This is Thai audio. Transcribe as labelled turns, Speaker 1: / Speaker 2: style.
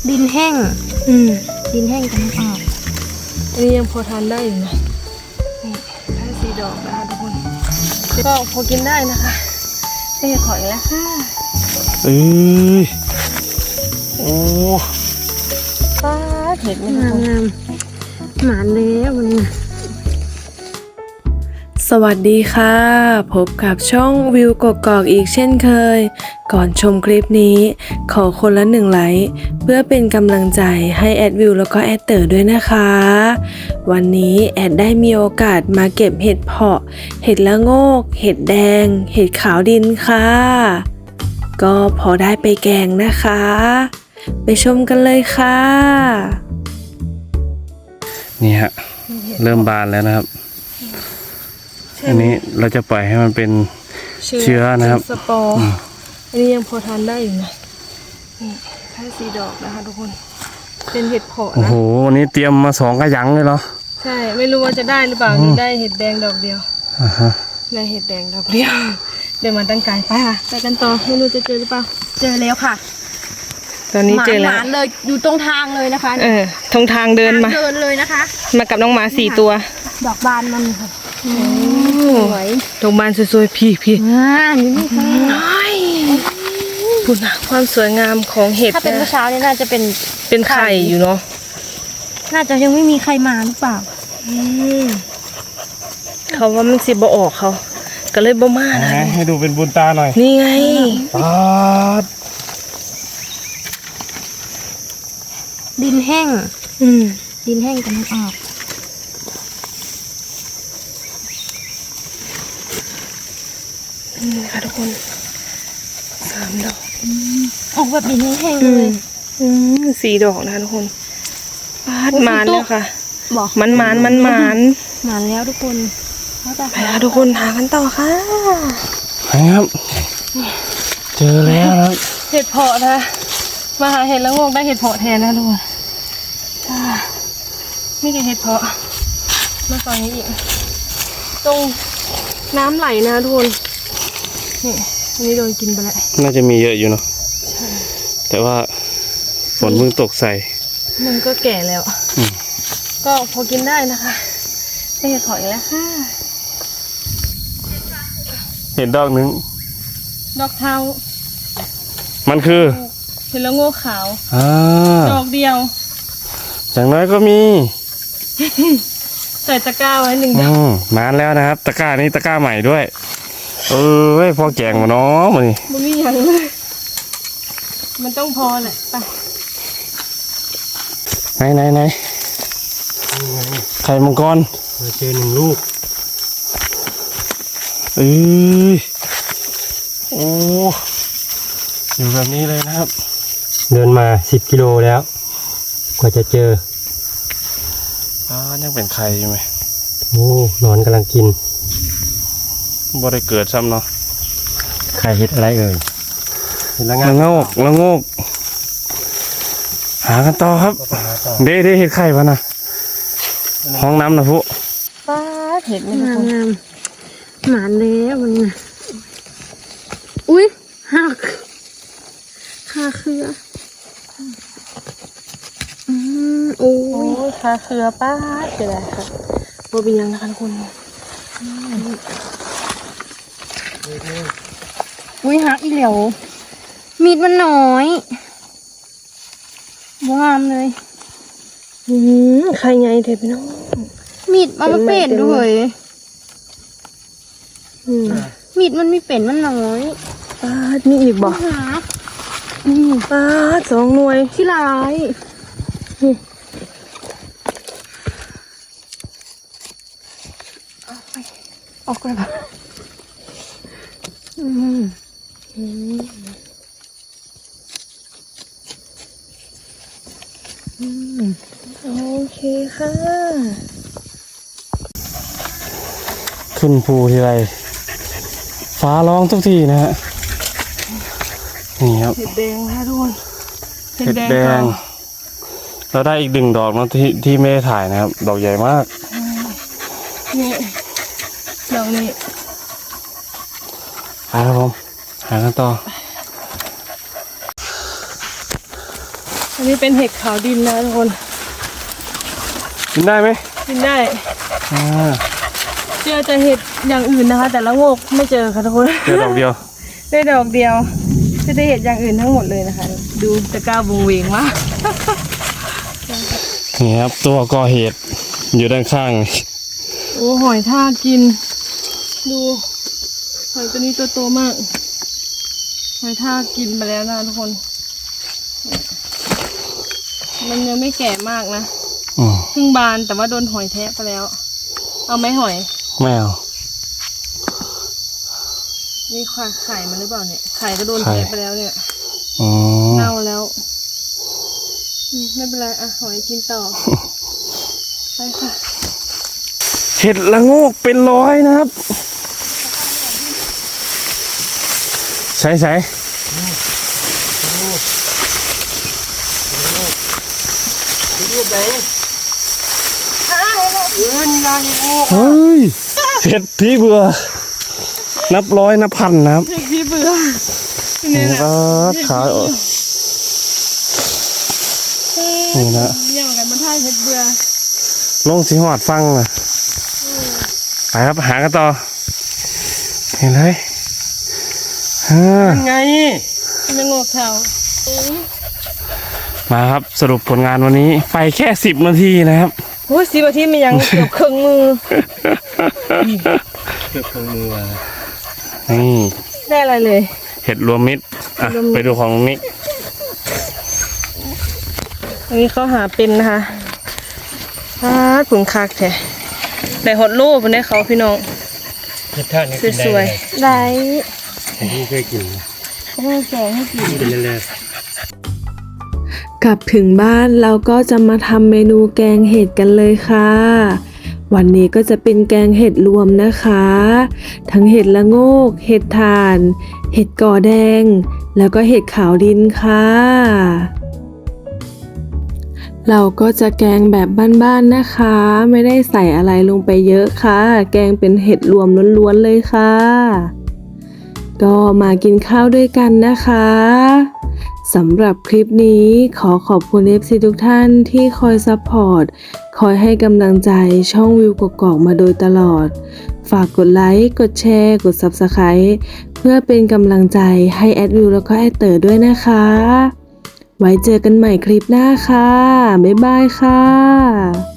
Speaker 1: ดินแห้งดินแห้งกันออกอันนี้ยังพอทานได้อยู่นะนี่ได้4 ดอกนะคะทุกคนก็พอกินได้นะคะได้ถอยแล้วค่ะ
Speaker 2: เอ้ยโอ้
Speaker 1: ป้าเห็ดงามหมานแล้ววันนี้
Speaker 3: สวัสดีค่ะพบกับช่องวิวกกอกอีกเช่นเคยก่อนชมคลิปนี้ขอคนละ1 ไลค์เพื่อเป็นกำลังใจให้แอดวิวแล้วก็แอดเต๋อด้วยนะคะวันนี้แอดได้มีโอกาสมาเก็บเห็ดเผาะเห็ดละโงกเห็ดแดงเห็ดขาวดินค่ะก็พอได้ไปแกงนะคะไปชมกันเลยค่ะ
Speaker 2: นี่ฮะเริ่มบานแล้วนะครับอันนี้เราจะปล่อยให้มันเป็นเชื้อนะครับ
Speaker 1: สปอร์อันนี้ยังพอทานได้อยู่นะนี่ได้4 ดอกนะคะทุกคนเป็นเห็ดเผาะนะ
Speaker 2: โอ้โหวันนี้เตรียมมา2 กระยังเลยเหรอ
Speaker 1: ใช่ไม่รู้ว่าจะได้หรือเปล่าหรือได้เห็ดแดงดอกเดียวได้เห็ดแดงดอกเดียวเดินมาตั้งไกลไปค่ะไปกันต่อไม่รู้จะเจอหรือเปล่าเจอแล้วค่ะตอนนี้เจอแล้วหมาเลยอยู่ตรงทางเลยนะคะตรงทางเดินมาเลยนะคะมากับน้องหมา4 ตัวดอกบานมันค่ะสวยดอกบานสวยๆพี่นี่ไม่ใช่คุณความสวยงามของเห็ดถ้าเป็นเมื่อเช้านี่น่าจะเป็นไข่อยู่เนาะน่าจะยังไม่มีใครมาหรือเปล่าเขาว่ามันสิบ่ออกเขาก็เลยบ่มานะ
Speaker 2: ให้ดูเป็นบุญตาหน่อย
Speaker 1: นี่ไงดินแห้งดินแห้งกันออกนี่ค่ะทุกคน3 ดอกออกแบบดินแห้งเลย4 ดอกนะทุกคนปาดมานแล้วค่ะมันมานแล้วทุกคนไปแล้วทุกคนหากันต่อค่ะ
Speaker 2: ครับเจอแล้วนะ
Speaker 1: เห็ดเผาะนะมาหาเห็ดแล้วงงได้เห็ดเผาะแทนนะทุกคนนี่คือเห็ดเผาะมาฝั่งนี้อีกตรงน้ำไหลนะทุกคนนี่อันนี้โดนกินไปแล้ว
Speaker 2: น่าจะมีเยอะอยู่เนาะแต่ว่าฝนเพิ่งตกใส่
Speaker 1: มันก็แก่แล้วก็พอกินได้นะคะได้เห็ดเผาะอีกแล้วค่ะ
Speaker 2: เห็นดอกนึง
Speaker 1: ดอกเทา
Speaker 2: มันคือ
Speaker 1: เห็ดละโง่ขาวดอกเดียว
Speaker 2: อย่างน้อยก็มี
Speaker 1: ใส่ตะกร้าไว้1 ดอก
Speaker 2: นานแล้วนะครับตะกร้านี้ตะกร้าใหม่ด้วยพอแกงมาเนาะมัน
Speaker 1: มีอย่างเลยมันต้องพอแหละ
Speaker 2: ไปไหนไข่มังกรเจอ1 ลูกโอ้อยู่แบบนี้เลยนะครับ
Speaker 4: เดินมา10 กิโลแล้วกว่าจะเจอ
Speaker 2: ยังเป็นไข่อยู่ไหม
Speaker 4: นอนกำลังกิน
Speaker 2: บ่ได้เกิดซ้ำเนาะ
Speaker 4: ไข่เห็ดอะไรเอ่ย
Speaker 2: ละโงกหากันต่อครับเด้เห็ดไข่ปะนะห้องน้ำนะพุ
Speaker 1: ป้าเห็ดงามหมานแล้ววันนี้อุ้ยหักคาเครือโอ้ยคาเครือป้าเจ๋อค่ะโบบียังนะคะทุกคนอุ้ยหักอีเหลียวมีดมันน้อยงามเลยใครไงเทพี่น้องมีดมันเป็ดด้วยมีดมันไม่เป็นมันน้อยป้ามีอีกบ่ป้า2 หน่วยที่ร้ายออกเลยป่ะโอเคค่ะ
Speaker 2: ขึ้นภูทีไรฟ้าร้องทุกทีนะฮะนี่ครับ
Speaker 1: เห็ดแดงค่ะทุกคน
Speaker 2: เห็ดแดงเราได้อีก1 ดอกนะที่ไม่ได้ถ่ายนะครับดอกใหญ่มาก
Speaker 1: นี่ดอกนี้
Speaker 2: ครับผมหากันต่อ
Speaker 1: อันนี้เป็นเห็ดขาวดินนะทุกคน
Speaker 2: กินได้ไหม
Speaker 1: กินได้
Speaker 2: อ่า
Speaker 1: เจอแต่เห็ดอย่างอื่นนะคะ แต่ละโงกไม่เจอค่ะทุกคน
Speaker 2: เจอดอกเดียว
Speaker 1: ได้ดอกเดียวจะได้เห็ดอย่างอื่นทั้งหมดเลยนะคะ ดูตะกร้าบงเวงมาก
Speaker 2: นี่ครับตัวก่อเหตุอยู่ด้านข้าง
Speaker 1: โอ้หอยทากกิน ดูหอยตัวนี้ตัวโตมากหอยทากกินไปแล้วนะทุกคน มันยังไม่แก่มากนะ
Speaker 2: อืม
Speaker 1: เพิ่งบานแต่ว่าโดนหอยแทะไปแล้ว เอาไหมหอย
Speaker 2: ไม่เอา
Speaker 1: นี่ไข่มันหรือเปล่าเนี่ยไข่ก็โดน
Speaker 2: ไข่
Speaker 1: แทะไปแล้วเนี่ย
Speaker 2: อืม
Speaker 1: เน่าแล้วไม่เป็นไรอ่ะหอยกินต่อ ไปค่ะ
Speaker 2: เห็ดละโงกเป็นร้อยนะครับ ใส่ใส่
Speaker 4: รูปไหนนี่ลานี่โง่
Speaker 2: เฮ้ยเห็ดพี่เบื่อ นับร้อยนับพันนะครับ
Speaker 1: เด็กพี่เบื่อ
Speaker 2: นี่ก็ขาออกนี่นะ
Speaker 1: อย่างกันมันท่ายเห็ดเบื่อ
Speaker 2: ลงสีหอดฟังนะไปครับหากันต่อ เห็นเลยฮ่า
Speaker 4: ไง
Speaker 1: มันจะงอกเท้า
Speaker 2: มาครับสรุปผลงานวันนี้ไปแค่10 นาทีนะครับ
Speaker 1: โอ้ย10 นาทีมันยังเกือบครึ่งมือ
Speaker 4: เกือบของมือว่ะ
Speaker 2: นี่
Speaker 1: ได้อะไรเลย
Speaker 2: เห็ดรวมมิตรอ่ะ
Speaker 1: รวมมิตร
Speaker 2: ไปดูของนิก
Speaker 1: อันนี้เขาหาเป็นนะคะผึ่งคักแท้ได้ฮอตโลบนได้เขาพี่น้อง
Speaker 4: เห็ดท่านี่กินได้
Speaker 1: สวยๆได้
Speaker 4: ที่เคยกิน
Speaker 1: เขาให้แกงให้กิน
Speaker 4: กินเลย
Speaker 3: กลับถึงบ้านเราก็จะมาทำเมนูแกงเห็ดกันเลยค่ะ วันนี้ก็จะเป็นแกงเห็ดรวมนะคะ ทั้งเห็ดละโงก เห็ดถ่าน เห็ดก่อแดง แล้วก็เห็ดขาวดินค่ะ เราก็จะแกงแบบบ้านๆนะคะ ไม่ได้ใส่อะไรลงไปเยอะค่ะ แกงเป็นเห็ดรวมล้วนๆเลยค่ะ ก็มากินข้าวด้วยกันนะคะสำหรับคลิปนี้ขอขอบคุณ FC ทุกท่านที่คอยซัพพอร์ตคอยให้กำลังใจช่องวิวกกอกมาโดยตลอด ฝากกดไลค์กดแชร์กด Subscribe เพื่อเป็นกำลังใจให้แอดวิวแล้วก็แอดเต๋อด้วยนะคะ ไว้เจอกันใหม่คลิปหน้าค่ะ บ๊ายบายค่ะ